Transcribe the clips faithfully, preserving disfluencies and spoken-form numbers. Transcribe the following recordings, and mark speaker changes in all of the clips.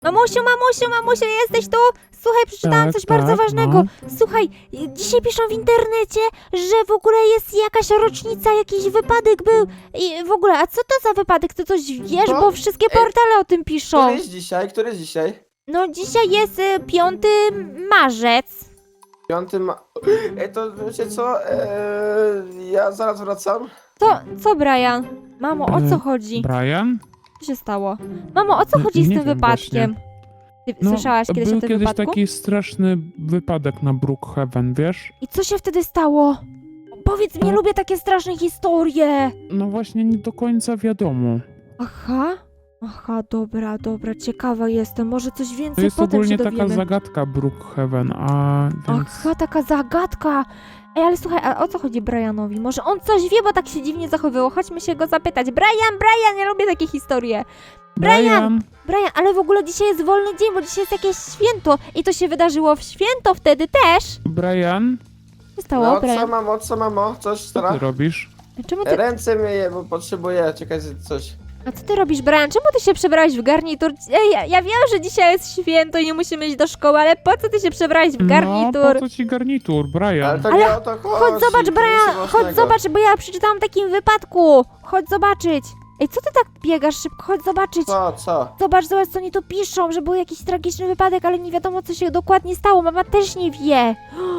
Speaker 1: Mamusiu, mamusiu, mamusiu, jesteś tu? Słuchaj, przeczytałam
Speaker 2: Tak,
Speaker 1: coś bardzo
Speaker 2: tak,
Speaker 1: ważnego.
Speaker 2: no.
Speaker 1: Słuchaj, dzisiaj piszą w internecie, że w ogóle jest jakaś rocznica, jakiś wypadek był. I w ogóle, a co to za wypadek? Ty coś wiesz?
Speaker 3: Co?
Speaker 1: Bo wszystkie
Speaker 3: Ej,
Speaker 1: portale o tym piszą.
Speaker 3: Który jest dzisiaj? Który jest dzisiaj?
Speaker 1: No dzisiaj jest y, piąty marzec.
Speaker 3: Piąty ma... Ej, to wiecie co? Eee, ja zaraz wracam.
Speaker 1: To, co Brian? Mamo, o co
Speaker 2: E,
Speaker 1: chodzi?
Speaker 2: Brian?
Speaker 1: Co się stało? Mamo, o co
Speaker 2: Nie-
Speaker 1: chodzi z
Speaker 2: nie
Speaker 1: tym
Speaker 2: wiem
Speaker 1: wypadkiem? Ty
Speaker 2: No,
Speaker 1: słyszałaś kiedyś
Speaker 2: był
Speaker 1: o tym
Speaker 2: kiedyś
Speaker 1: wypadku?
Speaker 2: taki straszny wypadek na Brookhaven, wiesz?
Speaker 1: I co się wtedy stało? Powiedz mi,
Speaker 2: No.
Speaker 1: lubię takie straszne historie.
Speaker 2: No właśnie nie do końca wiadomo.
Speaker 1: Aha, aha, dobra, dobra, ciekawa jestem. Może coś
Speaker 2: To
Speaker 1: więcej
Speaker 2: jest
Speaker 1: potem się
Speaker 2: ogólnie taka
Speaker 1: dowiemy.
Speaker 2: zagadka Brookhaven, a więc...
Speaker 1: Aha, taka zagadka. Ej, ale słuchaj, a o co chodzi Brianowi? Może on coś wie, bo tak się dziwnie zachowywał. Chodźmy się go zapytać. Brian, Brian, ja lubię takie historie. Brian! Brian, ale w ogóle dzisiaj jest wolny dzień, bo dzisiaj jest jakieś święto. I to się wydarzyło w święto wtedy też.
Speaker 2: Brian,
Speaker 1: Co się stało,
Speaker 3: No co
Speaker 1: Brian?
Speaker 3: mamo, co mamo? Coś
Speaker 2: co ty
Speaker 3: stara?
Speaker 2: robisz?
Speaker 1: Czemu ty...
Speaker 3: Ręce myję, bo potrzebuję, czekaj, coś.
Speaker 1: A co ty robisz, Brian? Czemu ty się przebrałeś w garnitur? Ej, ja, ja wiem, że dzisiaj jest święto i nie musimy iść do szkoły, ale po co ty się przebrałeś w garnitur?
Speaker 2: No, po co ci garnitur, Brian?
Speaker 3: Ale to
Speaker 1: Ale
Speaker 3: nie o to chodzi.
Speaker 1: Chodź zobacz,
Speaker 3: to
Speaker 1: Brian,
Speaker 3: nic
Speaker 1: chodź
Speaker 3: ważnego.
Speaker 1: zobacz, bo ja przeczytałam o takim wypadku. Chodź zobaczyć. Ej, co ty tak biegasz szybko? Chodź zobaczyć.
Speaker 3: Co, co?
Speaker 1: Zobacz, zobacz, co oni tu piszą, że był jakiś tragiczny wypadek, ale nie wiadomo, co się dokładnie stało. Mama też nie wie.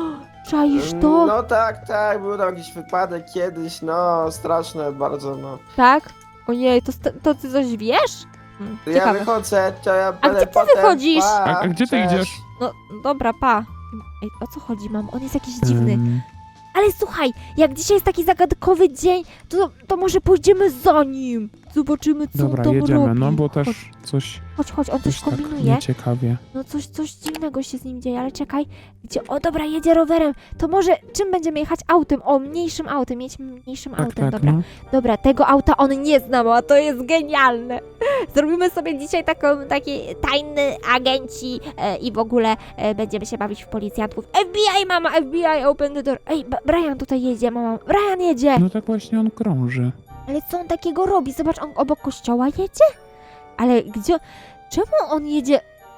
Speaker 1: Czaisz to?
Speaker 3: No tak, tak, był tam jakiś wypadek kiedyś, no straszne bardzo, no.
Speaker 1: Tak? Ojej, to, st- to ty coś wiesz? Hmm,
Speaker 3: Ja
Speaker 1: ciekawe.
Speaker 3: wychodzę, to ja
Speaker 1: A
Speaker 3: będę
Speaker 1: gdzie ty
Speaker 3: potem,
Speaker 1: wychodzisz?
Speaker 3: Pa,
Speaker 2: A, a gdzie ty
Speaker 3: cześć.
Speaker 2: idziesz?
Speaker 1: No, dobra, pa. Ej, o co chodzi, mam? On jest jakiś dziwny.
Speaker 2: Ym,
Speaker 1: Ale słuchaj, jak dzisiaj jest taki zagadkowy dzień, to, to może pójdziemy za nim. Zobaczymy, co
Speaker 2: Dobra,
Speaker 1: on tam
Speaker 2: jedziemy,
Speaker 1: robi.
Speaker 2: no bo
Speaker 1: Chodź,
Speaker 2: też coś,
Speaker 1: chodź, chodź, on coś
Speaker 2: coś tak
Speaker 1: kombinuje.
Speaker 2: nieciekawie.
Speaker 1: No coś, coś dziwnego się z nim dzieje, ale czekaj. Gdzie? O, dobra, jedzie rowerem. To może czym będziemy jechać? Autem. O, mniejszym autem. Jedźmy mniejszym
Speaker 2: Tak,
Speaker 1: autem,
Speaker 2: tak,
Speaker 1: dobra.
Speaker 2: no.
Speaker 1: Dobra, tego auta on nie zna, a to jest genialne. Zrobimy sobie dzisiaj taką, taki tajny agenci e, i w ogóle e, będziemy się bawić w policjantów. F B I, mama, F B I, open the door. Ej, B- Brian tutaj jedzie, mama. Brian jedzie.
Speaker 2: No tak właśnie on krąży.
Speaker 1: Ale co on takiego robi? Zobacz, on obok kościoła jedzie? Ale gdzie... Czemu on jedzie...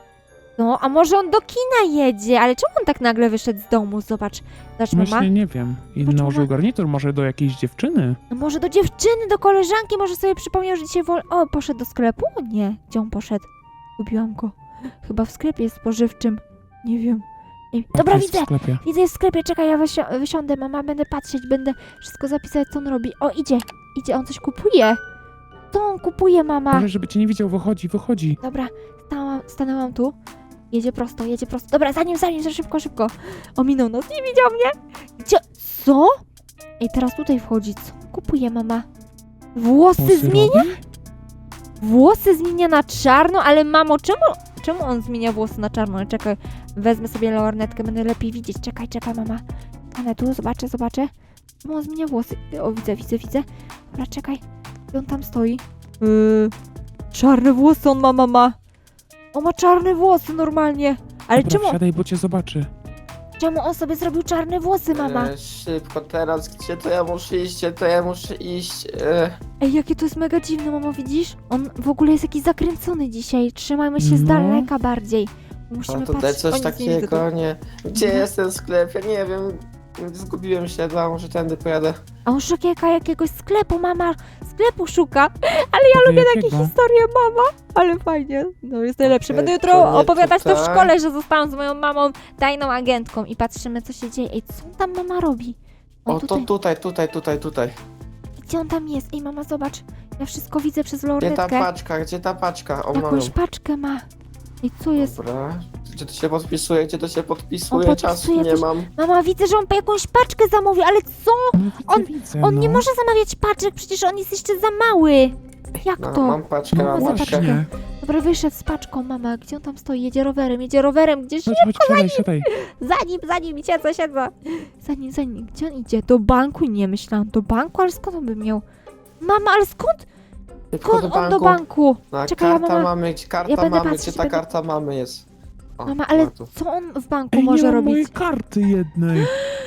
Speaker 1: No, a może on do kina jedzie? Ale czemu on tak nagle wyszedł z domu? Zobacz. Zobacz, mama.
Speaker 2: Właśnie nie wiem. I
Speaker 1: Patrz,
Speaker 2: nałożył
Speaker 1: mama.
Speaker 2: garnitur może do jakiejś dziewczyny.
Speaker 1: No może do dziewczyny, do koleżanki, może sobie przypomniał, że dzisiaj wol... O, poszedł do sklepu? Nie. Gdzie on poszedł? Gubiłam go. Chyba w sklepie spożywczym. Nie wiem. Nie. Dobra,
Speaker 2: Jest w
Speaker 1: widzę.
Speaker 2: sklepie.
Speaker 1: Widzę, jest w sklepie. Czekaj, ja wysi- wysiądę, mama. Będę patrzeć, będę wszystko zapisać, co on robi. O, idzie. Idzie, on coś kupuje. Co on kupuje, mama?
Speaker 2: Może żeby cię nie widział, wychodzi, wychodzi.
Speaker 1: Dobra, stałam, stanęłam tu. Jedzie prosto, jedzie prosto. Dobra, za nim, za nim, za szybko, szybko. Ominął nas, nie widział mnie. Gdzie? Co? Ej, teraz tutaj wchodzi. Co kupuje mama? Włosy
Speaker 2: Włosy
Speaker 1: zmienia?
Speaker 2: robi?
Speaker 1: Włosy zmienia na czarno, ale mamo, czemu, czemu on zmienia włosy na czarno? Czekaj, wezmę sobie lornetkę, będę lepiej widzieć. Czekaj, czekaj, mama. Ale tu, zobaczę, zobaczę. Czemu on zmienia włosy? O, widzę, widzę, widzę. Dobra, czekaj. I on tam stoi. Yy, czarne włosy on ma, mama. On ma czarne włosy normalnie. Ale
Speaker 2: Dobra,
Speaker 1: czemu,
Speaker 2: wsiadaj, bo cię zobaczy.
Speaker 1: czemu on sobie zrobił czarne włosy, mama?
Speaker 3: E, szybko teraz, gdzie to ja muszę iść, gdzie to ja muszę iść. E,
Speaker 1: Ej, jakie to jest mega dziwne, mamo, widzisz? On w ogóle jest jakiś zakręcony dzisiaj. Trzymajmy się z
Speaker 2: No.
Speaker 1: daleka bardziej. Musimy
Speaker 3: a tutaj
Speaker 1: patrzeć.
Speaker 3: coś
Speaker 1: O, nic nie widzę tu.
Speaker 3: takiego, nie. Gdzie
Speaker 1: Mhm.
Speaker 3: jest ten sklep? Ja nie wiem. Zgubiłem się, chyba może tędy pojadę.
Speaker 1: A on szuka jakiegoś sklepu, mama. Sklepu szuka. Ale ja
Speaker 2: Lubię
Speaker 1: lubię takie historie, mama. Ale fajnie. No jest najlepsze.
Speaker 3: Okej,
Speaker 1: Będę
Speaker 3: to
Speaker 1: jutro
Speaker 3: nie
Speaker 1: opowiadać to w
Speaker 3: tutaj.
Speaker 1: szkole, że zostałam z moją mamą tajną agentką i patrzymy, co się dzieje. Ej, co tam mama robi? On
Speaker 3: O, to
Speaker 1: tutaj.
Speaker 3: tutaj, tutaj, tutaj, tutaj.
Speaker 1: Gdzie on tam jest? Ej, mama, zobacz. Ja wszystko widzę przez
Speaker 3: Gdzie ta
Speaker 1: lornetkę.
Speaker 3: paczka? Gdzie ta paczka? O, mam ją.
Speaker 1: Jakąś paczkę ma. Ej, co jest?
Speaker 3: Dobra. Gdzie to się podpisuje? Gdzie to się podpisuje?
Speaker 1: On
Speaker 3: Czasu
Speaker 1: podpisuje
Speaker 3: nie
Speaker 1: coś-
Speaker 3: mam.
Speaker 1: Mama, widzę, że on po jakąś paczkę zamówił, ale co?
Speaker 2: No, widzę,
Speaker 1: On-
Speaker 2: widzę,
Speaker 1: On
Speaker 2: no.
Speaker 1: nie może zamawiać paczek, przecież on jest jeszcze za mały. Jak
Speaker 3: No,
Speaker 1: to?
Speaker 3: mam paczkę,
Speaker 2: No
Speaker 3: mam
Speaker 1: za
Speaker 3: paczkę.
Speaker 2: właśnie.
Speaker 1: Dobra, wyszedł z paczką, mama. Gdzie on tam stoi? Jedzie rowerem, jedzie rowerem, gdzieś
Speaker 2: Chodź, chodź, siadaj, siadaj.
Speaker 1: za nim, za nim, siedzę, siedzę. Za nim, za nim. Gdzie on idzie? Do banku? Nie myślałam. Do banku? Ale skąd on by miał? Mama, ale skąd?
Speaker 3: Szybko
Speaker 1: Skąd on do banku?
Speaker 3: No,
Speaker 1: Czekaj, ja
Speaker 3: karta
Speaker 1: mama-
Speaker 3: mamy, gdzie karta
Speaker 1: ja będę
Speaker 3: mamy,
Speaker 1: patrzeć,
Speaker 3: gdzie ta
Speaker 1: będę-
Speaker 3: karta mamy jest. O,
Speaker 1: Mama, ale
Speaker 3: ma tu.
Speaker 1: co on w banku
Speaker 2: Ej, nie
Speaker 1: może
Speaker 2: mam
Speaker 1: robić?
Speaker 2: mojej karty jednej.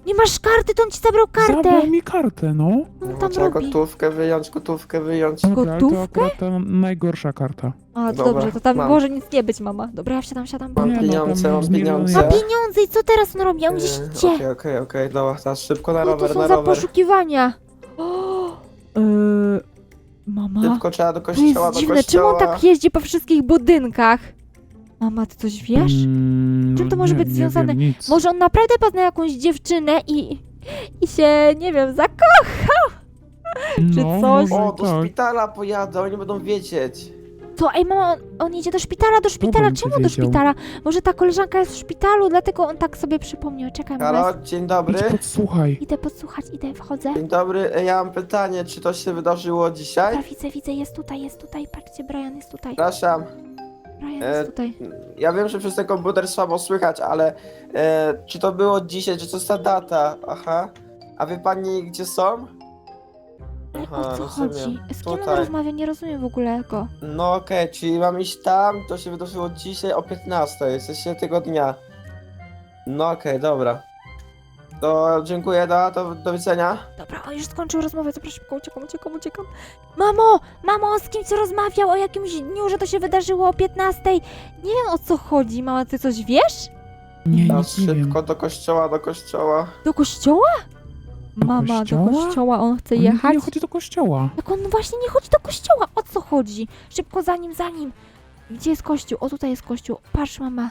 Speaker 1: Nie masz karty, to on ci zabrał kartę.
Speaker 2: Zabrał mi kartę, no.
Speaker 1: No
Speaker 3: No,
Speaker 1: tam
Speaker 3: trzeba
Speaker 1: robi.
Speaker 3: gotówkę wyjąć, gotówkę wyjąć.
Speaker 2: Dobra, ale to
Speaker 1: Gotówkę?
Speaker 2: akurat ta najgorsza karta.
Speaker 1: A, to
Speaker 3: Dobra,
Speaker 1: dobrze, to tam
Speaker 3: mam.
Speaker 1: może nic nie być, mama. Dobra, ja wsiadam, siadam.
Speaker 3: Mam
Speaker 2: Nie, no,
Speaker 3: pieniądze,
Speaker 2: tam
Speaker 3: mam
Speaker 2: z miliony
Speaker 3: pieniądze.
Speaker 1: Ma
Speaker 2: jest.
Speaker 1: pieniądze i co teraz on robi? On gdzieś
Speaker 3: Yy,
Speaker 1: idzie.
Speaker 3: Okej, okej, okej, dobra, teraz szybko na
Speaker 1: No to
Speaker 3: rower,
Speaker 1: są
Speaker 3: na
Speaker 1: za
Speaker 3: rower.
Speaker 1: poszukiwania. O, yy, mama,
Speaker 3: Szybko trzeba do
Speaker 1: to
Speaker 3: kościoła,
Speaker 1: jest
Speaker 3: do
Speaker 1: dziwne. Czemu
Speaker 3: kościoła.
Speaker 1: on tak jeździ po wszystkich budynkach? Mama, ty coś wiesz?
Speaker 2: Mm,
Speaker 1: Czym to
Speaker 2: no
Speaker 1: może
Speaker 2: nie,
Speaker 1: być
Speaker 2: nie
Speaker 1: związane?
Speaker 2: Wiem, nic.
Speaker 1: Może on naprawdę poznał jakąś dziewczynę i, i się, nie wiem, zakochał? czy
Speaker 2: no,
Speaker 1: coś?
Speaker 2: może
Speaker 3: O, do
Speaker 2: tak.
Speaker 3: szpitala pojadę, oni będą wiedzieć.
Speaker 1: Co? Ej, mama, on, on jedzie do szpitala, do szpitala.
Speaker 2: będzie
Speaker 1: Czemu do
Speaker 2: wiedział?
Speaker 1: szpitala? Może ta koleżanka jest w szpitalu, dlatego on tak sobie przypomniał. Czekaj, mama.
Speaker 3: Halo, dzień dobry.
Speaker 2: Idź podsłuchaj.
Speaker 1: Idę podsłuchać, idę, wchodzę.
Speaker 3: Dzień dobry, e, ja mam pytanie, czy to się wydarzyło dzisiaj?
Speaker 1: Dobra, widzę, widzę, jest tutaj, jest tutaj. Patrzcie, Brian jest tutaj.
Speaker 3: Przepraszam,
Speaker 1: Brian
Speaker 3: e,
Speaker 1: jest tutaj.
Speaker 3: ja wiem, że przez ten komputer słabo słychać, ale e, czy to było dzisiaj, czy to jest ta data? Aha. A wie pani, gdzie są?
Speaker 1: Ale
Speaker 3: Aha,
Speaker 1: o co
Speaker 3: rozumiem.
Speaker 1: chodzi? Z kim on
Speaker 3: Tutaj.
Speaker 1: rozmawia? Nie rozumiem w ogóle go.
Speaker 3: No okej, czyli mam iść tam, to się wydarzyło dzisiaj o piętnastej, jesteście tego dnia. No okej, dobra. To dziękuję, do, do, do widzenia.
Speaker 1: Dobra, on już skończył rozmowę, zapraszam, szybko, uciekam, uciekam, uciekam. Mamo! Mamo, on z kimś rozmawiał o jakimś dniu, że to się wydarzyło o piętnastej. Nie wiem, o co chodzi. Mama, ty coś wiesz?
Speaker 2: Nie,
Speaker 3: Teraz
Speaker 2: nic nie wiem.
Speaker 3: szybko do kościoła, do kościoła.
Speaker 1: Do kościoła?
Speaker 2: Do
Speaker 1: Mama,
Speaker 2: kościoła?
Speaker 1: do kościoła on chce
Speaker 2: On
Speaker 1: jechać.
Speaker 2: nie chodzi do kościoła.
Speaker 1: Jak on właśnie nie chodzi do kościoła, o co chodzi? Szybko za nim, za nim. Gdzie jest kościół? O, tutaj jest kościół. Patrz, mama.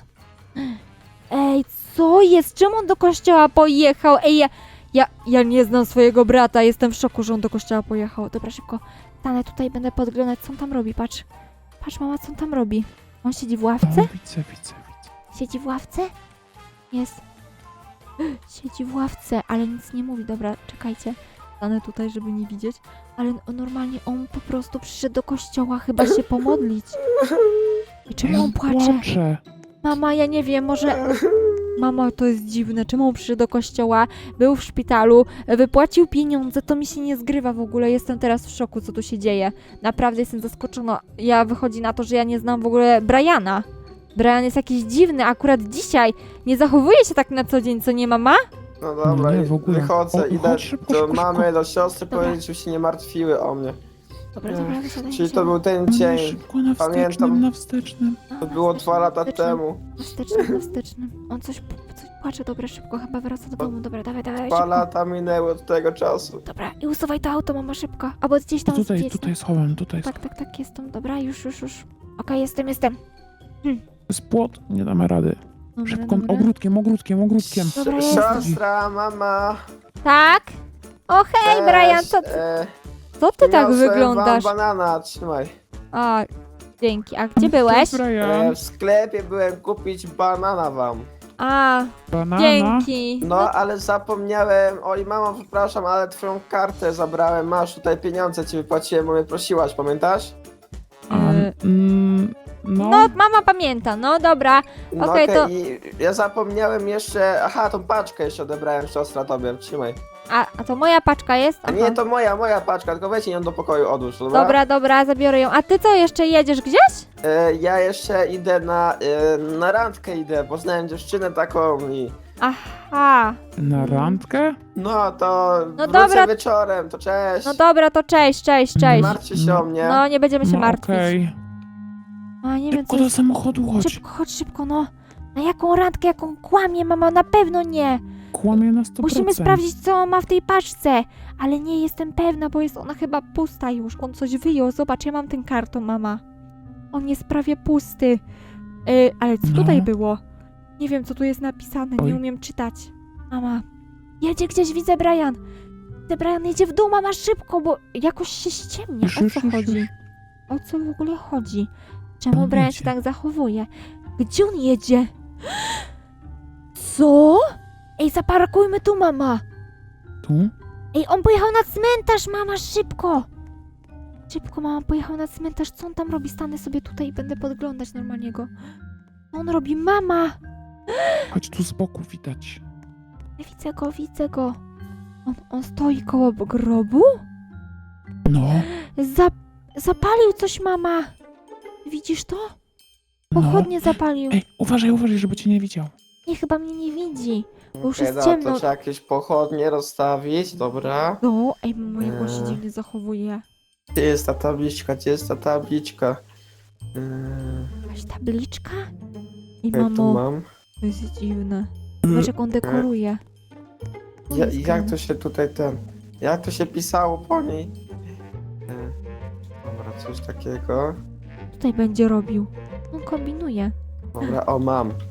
Speaker 1: Ej, co jest? Czemu on do kościoła pojechał? Ej, ja, ja, ja nie znam swojego brata. Jestem w szoku, że on do kościoła pojechał. Dobra, szybko. Stanę tutaj, będę podglądać, co on tam robi. Patrz. Patrz, mama, co on tam robi. On siedzi w
Speaker 2: No,
Speaker 1: ławce?
Speaker 2: widzę, widzę, widzę.
Speaker 1: Siedzi w ławce? Jest. Siedzi w ławce, ale nic nie mówi. Dobra, czekajcie. Stanę tutaj, żeby nie widzieć. Ale on, normalnie on po prostu przyszedł do kościoła chyba się pomodlić. I czemu on płacze?
Speaker 2: Płacze.
Speaker 1: Mama, ja nie wiem, może... Mama, to jest dziwne. Czemu on przyszedł do kościoła, był w szpitalu, wypłacił pieniądze, to mi się nie zgrywa w ogóle. Jestem teraz w szoku, co tu się dzieje. Naprawdę jestem zaskoczona. Ja wychodzi na to, że ja nie znam w ogóle Briana. Brian jest jakiś dziwny, akurat dzisiaj nie zachowuje się tak na co dzień, co nie, mama?
Speaker 3: No dobra,
Speaker 2: Nie,
Speaker 3: i
Speaker 2: w ogóle.
Speaker 3: wychodzę,
Speaker 2: O,
Speaker 3: idę
Speaker 2: chodź szybko,
Speaker 3: do
Speaker 2: szybko,
Speaker 3: mamy, do siostry,
Speaker 1: Dobra.
Speaker 3: powiedzieć, żeby się nie martwiły o mnie.
Speaker 1: Dobra, dobra, wysiadaj,
Speaker 3: Czyli to
Speaker 1: wysiadaj.
Speaker 3: był ten
Speaker 2: On jest
Speaker 3: dzień,
Speaker 2: szybko na wstecznym,
Speaker 3: Pamiętam.
Speaker 2: na wstecznym.
Speaker 1: No,
Speaker 3: to
Speaker 1: na
Speaker 3: było
Speaker 1: wstecznym,
Speaker 3: dwa lata
Speaker 1: na wstecznym,
Speaker 3: temu.
Speaker 1: Na wstecznym, na wstecznym. On coś, coś płacze, dobra, szybko, chyba wraca do domu. Dobra, dawaj, dawaj,
Speaker 3: Dwa
Speaker 1: szybko.
Speaker 3: lata minęły od tego czasu.
Speaker 1: Dobra, i usuwaj to auto, mama, szybko. Albo gdzieś tam
Speaker 2: Tutaj,
Speaker 1: zjedź,
Speaker 2: tutaj
Speaker 1: no.
Speaker 2: schowam, tutaj
Speaker 1: Tak, tak, tak, jestem. Dobra, już, już, już. Okej, jestem, jestem.
Speaker 2: jest płot, nie damy rady.
Speaker 1: Dobra,
Speaker 2: Szybko,
Speaker 1: dobra.
Speaker 2: ogródkiem, ogródkiem, ogródkiem.
Speaker 1: Dobra,
Speaker 3: Si-
Speaker 1: jestem.
Speaker 3: Siostra, mama.
Speaker 1: Tak? O, hej, Brian, co,
Speaker 3: e,
Speaker 1: co ty tak
Speaker 3: przyniosłem
Speaker 1: wyglądasz?
Speaker 3: wam banana, trzymaj.
Speaker 1: A, dzięki. A gdzie byłeś?
Speaker 2: Cześć, Brian.
Speaker 3: E, w sklepie byłem kupić banana wam.
Speaker 1: A,
Speaker 2: Banana.
Speaker 1: dzięki.
Speaker 3: No, ale zapomniałem. Oj, mamo, przepraszam, ale twoją kartę zabrałem. Masz tutaj pieniądze, ci wypłaciłem, bo mnie prosiłaś, pamiętasz?
Speaker 2: A,
Speaker 1: E,
Speaker 2: mm, no,
Speaker 1: No, mama pamięta, no dobra.
Speaker 3: No
Speaker 1: Okej,
Speaker 3: okej,
Speaker 1: to-
Speaker 3: i ja zapomniałem jeszcze. Aha, tą paczkę jeszcze odebrałem, siostra tobie. Trzymaj.
Speaker 1: A, a to moja paczka jest?
Speaker 3: A
Speaker 1: Aha.
Speaker 3: nie, to moja, moja paczka, tylko weź ją do pokoju, odłóż, dobra?
Speaker 1: Dobra, dobra, zabiorę ją. A ty co, jeszcze jedziesz gdzieś?
Speaker 3: E, ja jeszcze idę na, e, na randkę idę, poznałem dziewczynę taką i...
Speaker 1: Aha.
Speaker 2: na randkę?
Speaker 3: No to
Speaker 1: No
Speaker 3: wrócę
Speaker 1: dobra.
Speaker 3: wieczorem, to cześć.
Speaker 1: No dobra, to cześć, cześć,
Speaker 3: Nie
Speaker 1: cześć.
Speaker 3: martwcie się o mnie.
Speaker 1: No, nie będziemy się
Speaker 2: No
Speaker 1: martwić.
Speaker 2: okej.
Speaker 1: A, nie wiem,
Speaker 2: Szybko
Speaker 1: co...
Speaker 2: do samochodu chodź.
Speaker 1: Szybko, chodź szybko, no. Na jaką randkę, jaką kłamie, mama? Na pewno nie.
Speaker 2: Kłamie na sto procent.
Speaker 1: Musimy sprawdzić, co on ma w tej paczce. Ale nie jestem pewna, bo jest ona chyba pusta już. On coś wyjął. Zobacz, ja mam ten karton, mama. On jest prawie pusty. Yy, ale co
Speaker 2: No.
Speaker 1: tutaj było? Nie wiem, co tu jest napisane.
Speaker 2: Oj.
Speaker 1: Nie umiem czytać. Mama. Jedzie gdzieś, widzę Brian. Widzę Brian, jedzie w dół, mama, szybko, bo jakoś się ściemnia.
Speaker 2: Już,
Speaker 1: O
Speaker 2: już,
Speaker 1: co
Speaker 2: już,
Speaker 1: chodzi?
Speaker 2: już.
Speaker 1: O co w ogóle chodzi? Czemu
Speaker 2: On
Speaker 1: Brian
Speaker 2: jedzie.
Speaker 1: się tak zachowuje? Gdzie on jedzie? Co? Ej, zaparkujmy tu, mama.
Speaker 2: Tu?
Speaker 1: Ej, on pojechał na cmentarz, mama, szybko! Szybko, mama, pojechał na cmentarz. Co on tam robi? Stanę sobie tutaj i będę podglądać normalnie go. Co on robi? Mama!
Speaker 2: Chodź tu z boku widać.
Speaker 1: Ja widzę go, widzę go. On, on stoi koło grobu?
Speaker 2: No,
Speaker 1: Zap zapalił coś, mama! Widzisz to?
Speaker 2: no.
Speaker 1: Pochodnie zapalił.
Speaker 2: Ej, uważaj, uważaj, żeby cię nie widział.
Speaker 1: Nie, chyba mnie nie widzi. Bo już
Speaker 3: Okej,
Speaker 1: jest
Speaker 3: dobra,
Speaker 1: ciemno.
Speaker 3: to trzeba jakieś pochodnie rozstawić, dobra.
Speaker 1: No, ej, mamo, jak on się
Speaker 3: Eee.
Speaker 1: dziwnie zachowuje.
Speaker 3: Gdzie jest ta tabliczka, gdzie jest ta tabliczka? Yy,
Speaker 1: Jakaś tabliczka? I
Speaker 3: ja tu
Speaker 1: mamo,
Speaker 3: mam.
Speaker 1: to jest dziwne. Zobacz, jak on dekoruje. To
Speaker 3: Ja,
Speaker 1: jest
Speaker 3: jak
Speaker 1: gen-
Speaker 3: to się tutaj ten... Jak to się pisało po niej? Yy, dobra, coś takiego.
Speaker 1: Tutaj będzie robił. On kombinuje.
Speaker 3: Dobra, o mam. Yy,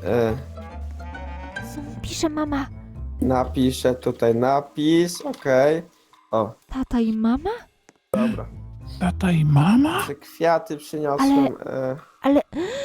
Speaker 1: Co on pisze, mama?
Speaker 3: napiszę tutaj napis, okej. O,
Speaker 1: Tata i mama?
Speaker 3: dobra.
Speaker 2: Tata i mama?
Speaker 3: Czy kwiaty przyniosłem? Yy,
Speaker 1: Ale...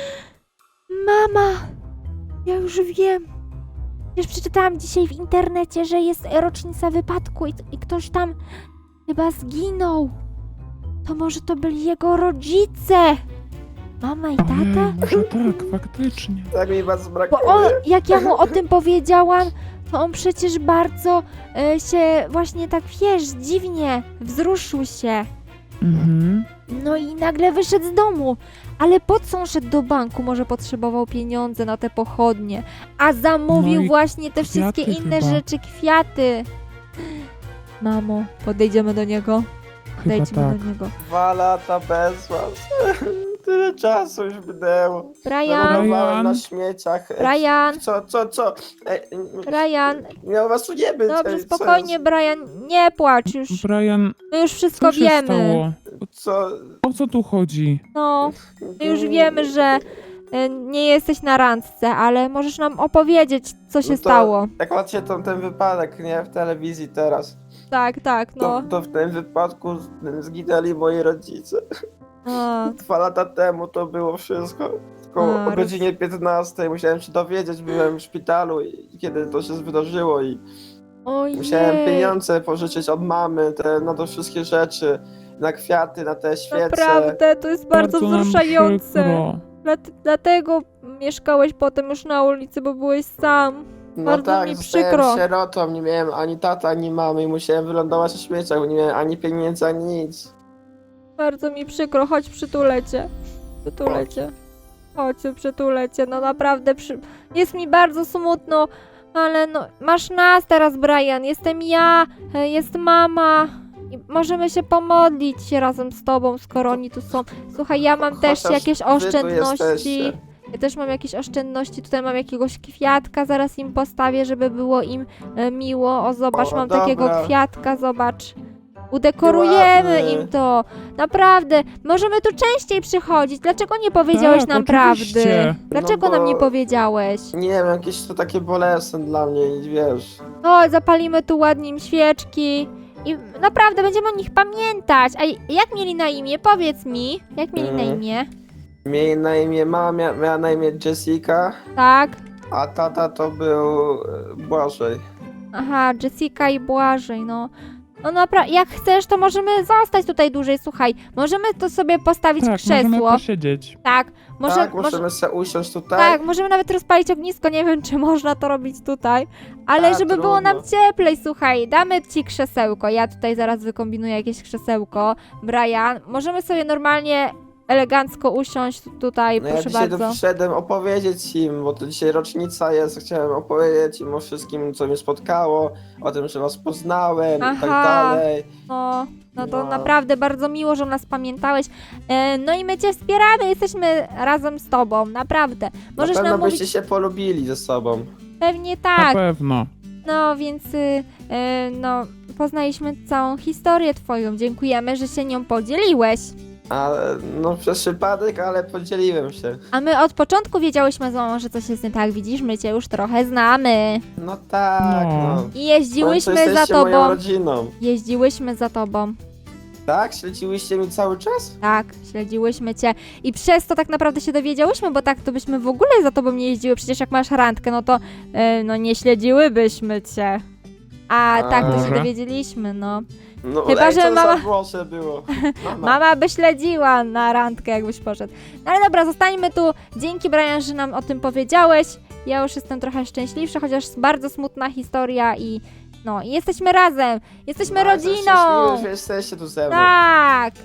Speaker 1: Mama! Ja już wiem. Już przeczytałam dzisiaj w internecie, że jest rocznica wypadku i, i ktoś tam chyba zginął. To może to byli jego rodzice? Mama i tata?
Speaker 2: Ojej, może tak, faktycznie.
Speaker 3: tak mi bardzo
Speaker 1: Bo
Speaker 3: brakuje.
Speaker 1: on, jak ja mu o tym powiedziałam, to on przecież bardzo e, się właśnie tak, wiesz, dziwnie wzruszył się.
Speaker 2: Mhm.
Speaker 1: No i nagle wyszedł z domu. Ale po co on szedł do banku? Może potrzebował pieniądze na te pochodnie. A zamówił
Speaker 2: No i
Speaker 1: właśnie te wszystkie
Speaker 2: kwiaty
Speaker 1: inne
Speaker 2: chyba.
Speaker 1: rzeczy, kwiaty. Mamo, podejdziemy do niego.
Speaker 2: Chyba
Speaker 1: Podejdźmy
Speaker 2: tak.
Speaker 1: do niego.
Speaker 3: Dwa lata bez was. Tyle czasu już minęło.
Speaker 1: Brian,
Speaker 3: Zamarnowałem na
Speaker 2: Brian.
Speaker 3: śmieciach. Ej,
Speaker 1: Brian,
Speaker 3: Co, co, co? Ej,
Speaker 1: Brian.
Speaker 3: miał was tu nie być.
Speaker 1: Dobrze,
Speaker 3: Ej, co
Speaker 1: spokojnie,
Speaker 3: jest?
Speaker 1: Brian, nie płacz już.
Speaker 2: Brian,
Speaker 1: My już wszystko
Speaker 2: co się
Speaker 1: wiemy.
Speaker 2: stało?
Speaker 3: Co?
Speaker 2: O co tu chodzi?
Speaker 1: No, my już wiemy, że e, nie jesteś na randce, ale możesz nam opowiedzieć, co się
Speaker 3: No to-
Speaker 1: stało.
Speaker 3: Jak macie tam ten wypadek, nie? W telewizji teraz.
Speaker 1: Tak, tak,
Speaker 3: To,
Speaker 1: no.
Speaker 3: to w tym wypadku z- zginęli moi rodzice.
Speaker 1: A,
Speaker 3: Dwa lata temu to było wszystko. Tylko
Speaker 1: A,
Speaker 3: o godzinie piętnastej musiałem się dowiedzieć, byłem w szpitalu i kiedy to się wydarzyło i
Speaker 1: ojej.
Speaker 3: musiałem pieniądze pożyczyć od mamy, te, na to wszystkie rzeczy, na kwiaty, na te świece.
Speaker 1: Naprawdę, to jest bardzo,
Speaker 2: nam
Speaker 1: wzruszające.
Speaker 2: przykro.
Speaker 1: Dlat- Dlatego mieszkałeś potem już na ulicy, bo byłeś sam.
Speaker 3: No
Speaker 1: bardzo
Speaker 3: tak,
Speaker 1: mi
Speaker 3: zostałem
Speaker 1: przykro.
Speaker 3: sierotą, nie miałem ani tata, ani mamy i musiałem wylądować na śmieciach, bo nie miałem ani pieniędzy, ani nic.
Speaker 1: Bardzo mi przykro, chodź przytulę cię. Przytulę cię. Chodź, przytulę cię, no naprawdę, przy... jest mi bardzo smutno, ale no, masz nas teraz, Brian, jestem ja, e, jest mama. I możemy się pomodlić razem z tobą, skoro oni tu są. Słuchaj, ja mam też
Speaker 3: Chociaż
Speaker 1: jakieś
Speaker 3: wy tu
Speaker 1: oszczędności.
Speaker 3: jesteście.
Speaker 1: Ja też mam jakieś oszczędności, tutaj mam jakiegoś kwiatka, zaraz im postawię, żeby było im e, miło. O, zobacz,
Speaker 3: O,
Speaker 1: mam
Speaker 3: dobra.
Speaker 1: takiego kwiatka, zobacz. Udekorujemy
Speaker 3: Ładny.
Speaker 1: im to. Naprawdę, możemy tu częściej przychodzić. Dlaczego nie powiedziałeś
Speaker 2: Tak,
Speaker 1: nam
Speaker 2: oczywiście.
Speaker 1: prawdy? Dlaczego
Speaker 3: No bo-
Speaker 1: nam nie powiedziałeś?
Speaker 3: Nie wiem, jakieś to takie bolesne dla mnie i wiesz.
Speaker 1: O, zapalimy tu ładnie im świeczki. I naprawdę będziemy o nich pamiętać. A jak mieli na imię? Powiedz mi. Jak mieli na
Speaker 3: Mm.
Speaker 1: imię?
Speaker 3: Mieli na imię, mama mia, miała na imię Jessica,
Speaker 1: Tak?
Speaker 3: a tata to był e, Błażej.
Speaker 1: Aha, Jessica i Błażej, no. No naprawdę, jak chcesz, to możemy zostać tutaj dłużej, słuchaj. Możemy to sobie postawić
Speaker 2: Tak, możemy
Speaker 1: krzesło.
Speaker 2: posiedzieć.
Speaker 1: Tak, może,
Speaker 3: tak,
Speaker 1: może,
Speaker 3: możemy sobie usiąść tutaj.
Speaker 1: tak, możemy nawet rozpalić ognisko, nie wiem, czy można to robić tutaj. Ale
Speaker 3: A,
Speaker 1: żeby było
Speaker 3: trudno.
Speaker 1: nam cieplej, słuchaj, damy ci krzesełko. Ja tutaj zaraz wykombinuję jakieś krzesełko. Brian, możemy sobie normalnie, elegancko usiąść tutaj,
Speaker 3: No ja
Speaker 1: proszę
Speaker 3: dzisiaj
Speaker 1: bardzo.
Speaker 3: tu przyszedłem opowiedzieć im, bo to dzisiaj rocznica jest, chciałem opowiedzieć im o wszystkim, co mnie spotkało, o tym, że was poznałem i tak
Speaker 1: Aha.
Speaker 3: dalej.
Speaker 1: No, no to
Speaker 3: No.
Speaker 1: naprawdę bardzo miło, że nas pamiętałeś. E, no i my cię wspieramy, jesteśmy razem z tobą, naprawdę. Możesz
Speaker 3: Na pewno
Speaker 1: nam mówić,
Speaker 3: byście się polubili ze sobą.
Speaker 1: pewnie
Speaker 2: Na
Speaker 1: tak.
Speaker 2: pewno.
Speaker 1: No więc, y, y, no, poznaliśmy całą historię twoją. Dziękujemy, że się nią podzieliłeś.
Speaker 3: A, no przez przypadek, ale podzieliłem się.
Speaker 1: A my od początku wiedziałyśmy z mamą, że coś jest nie tak. Widzisz, my cię już trochę znamy.
Speaker 3: No tak,
Speaker 2: No.
Speaker 3: no.
Speaker 1: I jeździłyśmy
Speaker 3: W końcu
Speaker 1: za
Speaker 3: jesteście moją
Speaker 1: tobą.
Speaker 3: rodziną.
Speaker 1: Jeździłyśmy za tobą.
Speaker 3: Tak? Śledziłyście mi cały czas?
Speaker 1: Tak, śledziłyśmy cię i przez to tak naprawdę się dowiedziałyśmy, bo tak to byśmy w ogóle za tobą nie jeździły. Przecież jak masz randkę, no to e, no nie śledziłybyśmy cię. A,
Speaker 3: A.
Speaker 1: tak to się
Speaker 2: Może?
Speaker 1: dowiedzieliśmy, no.
Speaker 3: No,
Speaker 1: Chyba,
Speaker 3: ej,
Speaker 1: że
Speaker 3: co
Speaker 1: mama-
Speaker 3: za włosze było. Mama.
Speaker 1: Mama by śledziła na randkę, jakbyś poszedł. No ale dobra, zostańmy tu. Dzięki, Brian, że nam o tym powiedziałeś. Ja już jestem trochę szczęśliwsza, chociaż bardzo smutna historia i no, i jesteśmy razem. Jesteśmy
Speaker 3: No, jestem
Speaker 1: rodziną.
Speaker 3: szczęśliwy, że jesteście tu ze mną.
Speaker 1: Tak.